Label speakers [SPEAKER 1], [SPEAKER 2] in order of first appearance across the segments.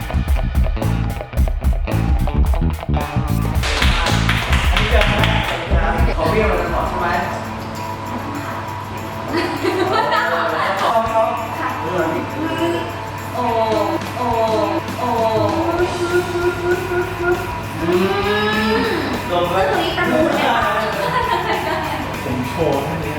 [SPEAKER 1] อันนี้เจอไหมขอเบี้ยวเราจะขอใช่ไหม
[SPEAKER 2] โอ้โอ้โอ้
[SPEAKER 1] ลงไป
[SPEAKER 2] ตรงนี้ประมูลเนี่ย
[SPEAKER 1] ผมโชว์แค่นี้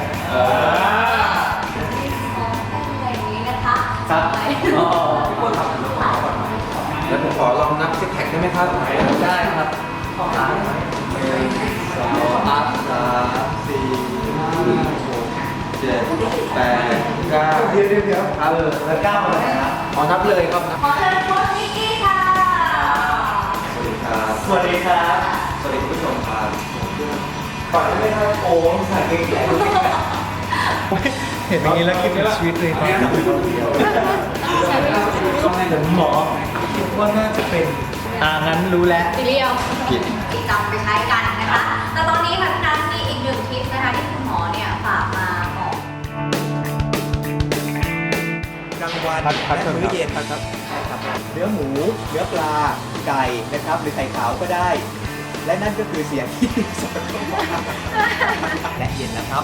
[SPEAKER 2] อย่างนี้นะคะ
[SPEAKER 1] ครับอ๋อ
[SPEAKER 3] ทุกคนทำถึงขอก่อนแล้วผมขอลองนับซิกแพคได้ไหมครับ
[SPEAKER 1] ได้ครับขอร้านไหม
[SPEAKER 3] 2 3 4 5 6 7 8 9
[SPEAKER 1] เดี๋ยวครับแล้วก้าวมาไหนครับ
[SPEAKER 3] ขอนับเลยครับนับ
[SPEAKER 2] ขอเชิญโค้ชนิกกี้ค่ะ
[SPEAKER 3] สวัสดีครับ
[SPEAKER 1] สวัสดีครับ
[SPEAKER 3] สวัสดีคุณผู้ชมครับ
[SPEAKER 1] ก่อนที่ไม่ให้โอ้ใส่เกงใหญ่
[SPEAKER 4] เห็นอย่างนี้แล้วคิดถึงชีวิตเลยตอนนี้
[SPEAKER 1] ผมหมอคิดว่าน่าจะเป็นงั้นรู้แล้ว
[SPEAKER 2] ซีเรียล
[SPEAKER 3] ผิด
[SPEAKER 2] ติดตามไปใช้กันนะคะ แต่ตอนนี้ค่ะพี่นัทมีอีกหนึ่งทิปนะคะที่คุณหมอเนี่ยฝากมาบอก
[SPEAKER 5] กลางวันและมื้อเย็นครับเนื้อหมู เนื้อปลา ไก่นะครับ หรือไข่ขาวก็ได้ และนั่นก็คือเสียงที่สดเข้ามาและเย็นนะครับ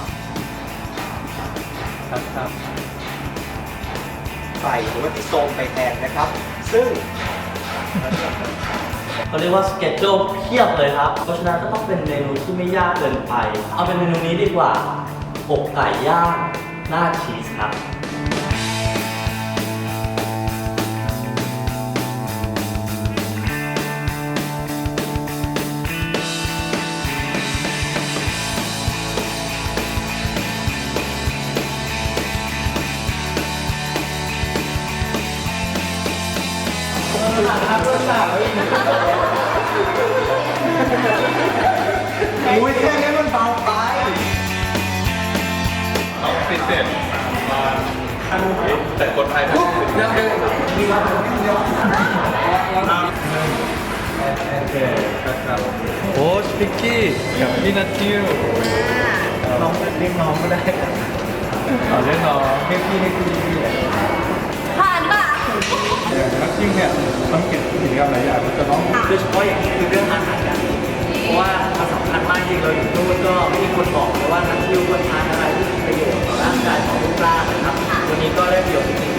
[SPEAKER 5] ไก่หรือว่าที่โซมไปแทนนะครับ ซึ่ง
[SPEAKER 6] เขาเรียกว่าสเก็ตโจเพียบเลยครับ เพราะฉะนั้นก็ต้องเป็นเมนูที่ไม่ยากเกินไป เอาเป็นเมนูนี้ดีกว่าอกไก่ย่างหน้าชีสครับ
[SPEAKER 1] อุ้ยแค่นี้มันเบาไป
[SPEAKER 3] แต่คนไทยปุ๊บยังได้มีรับเดียว
[SPEAKER 4] โอ้สปิกกี้กับพี่นัททิว
[SPEAKER 1] น้องเรียกน้องก็ได้
[SPEAKER 4] ต่อเรื่องน้อง
[SPEAKER 1] เรียกพี่เรียกพี่
[SPEAKER 2] ผ่านค่ะ
[SPEAKER 4] อย่างนักชิ่งเนี่ยต้องเก็บกิจกรรมหลายอย่างมันจะต้อง
[SPEAKER 1] โดยเฉพาะอย่างนี้คือเรื่องอาหารการกินเพราะว่ามันสำคัญมากจริงเราอยู่นู่นก็ไม่มีคนบอกเลยว่านักทิวควรทานอะไรที่มีประโยชน์ต่อร่างกายของรูปร่างนะครับวันนี้ก็ได้ประโยชน์จริง